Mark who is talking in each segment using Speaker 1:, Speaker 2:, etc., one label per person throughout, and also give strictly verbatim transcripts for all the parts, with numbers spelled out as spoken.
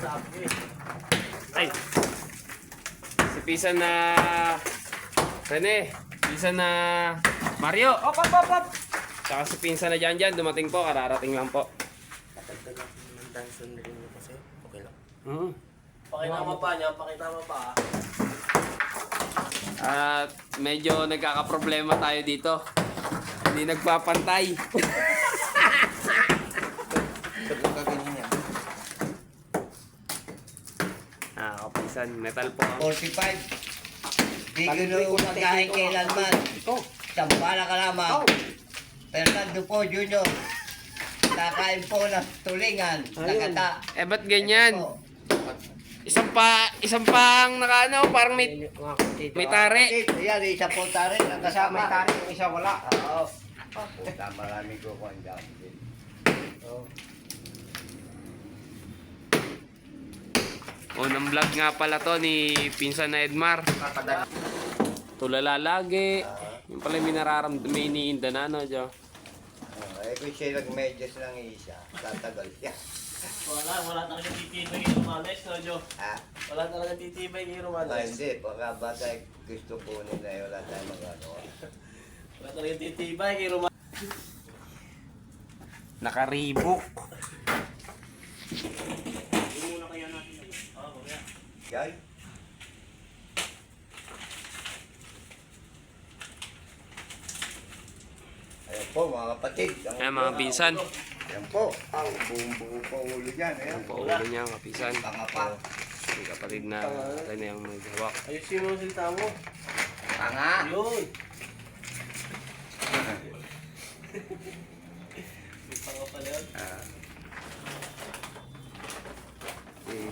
Speaker 1: Ay! Si Pisan na... Rene. Pisan na... Mario. Op, op, op, op! Saka si Pinsan na dyan dyan. Dumating po. Kararating lang po.
Speaker 2: Patagdag ng danson rin mo kasi. Okay lang.
Speaker 1: Hmm.
Speaker 2: Pakitama pa niya. Pakitama pa.
Speaker 1: At medyo nagkakaproblema tayo dito. Hindi nagpapantay.
Speaker 2: Ba't lang kaganyan yan?
Speaker 1: Ah, kapisan. Metal po.
Speaker 3: forty-five. Di gano'n pagkain kailanman. Sampala ka lamang. Fernando po, Junior. Nakain po ng tulingan. Nakata.
Speaker 1: Eh, ba't ganyan? Isang pa, isang pang nakaano, parang may, may tare.
Speaker 3: Ayan, isa po tare. Nakasama.
Speaker 4: May tari, yung isa wala.
Speaker 3: Oo. Puta, maraming kukuhan dyan. Oo.
Speaker 1: Unang vlog nga pala to ni Pinsan na Edmar. Tulala lagi. Yung pala may nararamdaman, may iniinda na, no, Jo?
Speaker 3: Eh, kung siya nag-medyas ng isa, tatagal siya.
Speaker 2: Wala. Wala talaga titibay kay Romanes, no, Jo?
Speaker 3: Ha?
Speaker 2: Wala talaga titibay kay
Speaker 3: Ah,
Speaker 2: Romanes.
Speaker 3: hindi. Baka bata gusto po nila eh. Wala tayong magagawa.
Speaker 2: Wala talaga titibay kay Romanes.
Speaker 1: Nakaribok.
Speaker 3: Yan. Ayan po mga kapatid. Ang-
Speaker 1: Ayan mga Pinsan.
Speaker 3: Ayan po. Ang buong-buo po ulo dyan. Ayan.
Speaker 1: Ang paulo niya, kapisan.
Speaker 3: Pangapa.
Speaker 1: Yung kapatid na tayo na yung may hawak.
Speaker 2: Ayusin mo ang salita mo.
Speaker 3: Panga.
Speaker 2: Yun. May panga pala yun.
Speaker 3: Ah.
Speaker 1: Eh,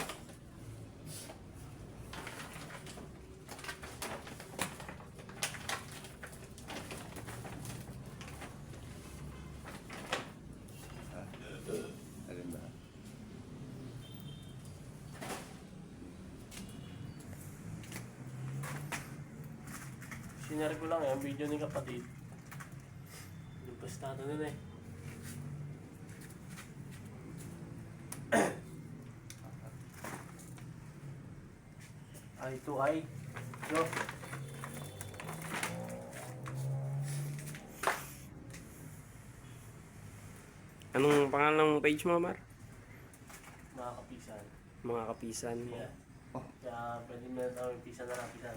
Speaker 3: Alin ba?
Speaker 2: Sinare ko lang eh, ang video ni kapatid. Lumpas na ito nun eh. Eye to eye. Yo.
Speaker 1: anong pangalan ng page mo, Mar?
Speaker 2: Mga kapisan.
Speaker 1: Mga kapisan.
Speaker 2: Yeah. Kaya pwede mo na tawag pisa na kapisan.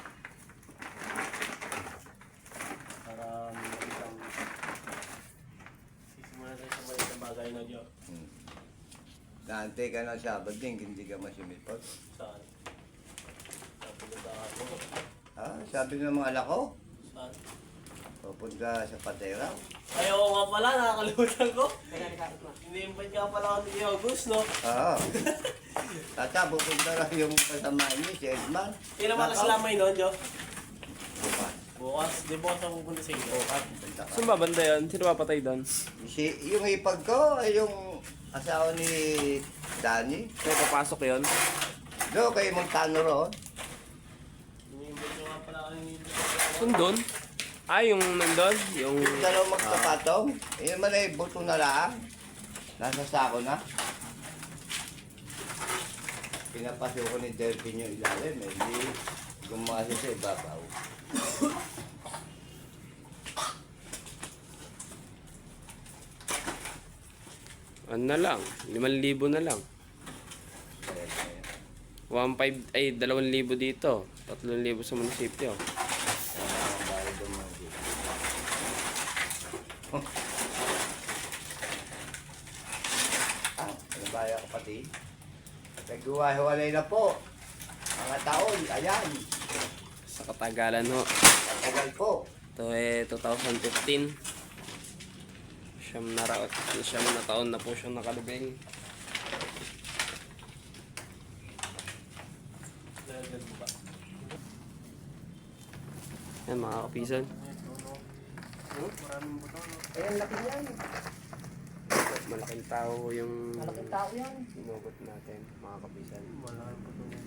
Speaker 2: Para makita mo. Sisimulan tayo sa maliit na bagay na Diyo.
Speaker 3: Hmm. Naantay ka ng Sabado din, hindi ka masimipot.
Speaker 2: Saan? Saan pinuntahan mo?
Speaker 3: Ha? Sabi ng mga anak ko,
Speaker 2: Saan?
Speaker 3: pupunta sa Patera.
Speaker 2: Ay, oo nga pala, nakakalimutan ko. Ini-invite nga pala ako ni August, no?
Speaker 3: Oo. Tata, pupunta lang yung kasama niyo, si Edman.
Speaker 2: Kailan ba sila may noon, Jo?
Speaker 3: Bukas.
Speaker 2: Bukas, di bukas ako pupunta sa inyo.
Speaker 3: Bukas, pupunta ka.
Speaker 1: Saan ba banda yun? Sino ba patay doon?
Speaker 3: Si, yung ipag ko, ay yung asawa ni Danny.
Speaker 1: May papasok yun?
Speaker 3: Do, kay Montano roon.
Speaker 2: Ini-invite nga pala ako ni
Speaker 1: Saan doon? Ah, yung nandun? Yung...
Speaker 3: Yung dalawang magkapatong, yun man ay buto na lang. Nasa sako na. Pinapasok ko ni Derpin yung ilalim, eh. Hindi gumasa sa ibabaw.
Speaker 1: Ano na lang? limang libo na lang. one five ay dalawang libo dito. tatlong libo sa munisipyo.
Speaker 3: Ah, ano ba yung kapatid? Naghuwa-hiwalay na po. Mga taon, ayan.
Speaker 1: Sa katagalan ho.
Speaker 3: Tagal po.
Speaker 1: Ito eh two thousand fifteen. Siyam na, ra- siyam na taon na po siyang nakalubing.
Speaker 2: Dagdag mo ba?
Speaker 1: Yan mga kapisan.
Speaker 2: Hmm? Maraming buto, no?
Speaker 4: Ayan, laki yan.
Speaker 1: Malaking tao yung
Speaker 4: Malaking tao yan.
Speaker 1: sinugot natin mga kapisan.
Speaker 2: Maraming buto niya.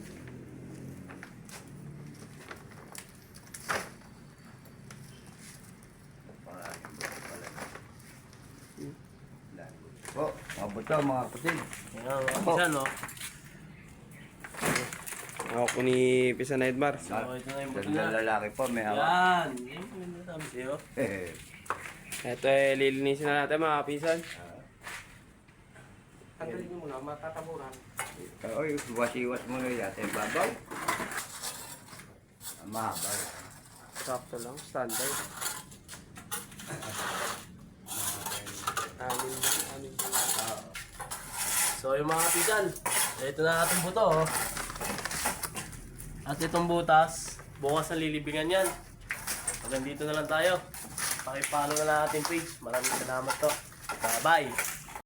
Speaker 3: Maraming buto pala. Po, buto, mga kapatid.
Speaker 2: Ayan, mga pisan, no?
Speaker 1: Ako po ni Pisan na Edmar.
Speaker 2: So, ito na yung buto
Speaker 3: Ganda
Speaker 2: na.
Speaker 3: lalaki po, may hawak.
Speaker 2: Yan. Yan po yung nasabi sa'yo.
Speaker 3: Eh,
Speaker 1: Ito eh, lilinisin na natin mga kapisan.
Speaker 2: Tanggalin niyo muna, matataburan.
Speaker 3: Oy, iwas-iwas mo na yata yung babaw. Ah, mahaba.
Speaker 1: Sakto lang, standard. Amin, amin.
Speaker 2: So, yung mga kapisan, ito na ating buto, oh. At itong butas, bukas na lilibingan yan. Hanggang dito na lang tayo. Pakipalo na lang ating page. Maraming salamat to. Bye-bye.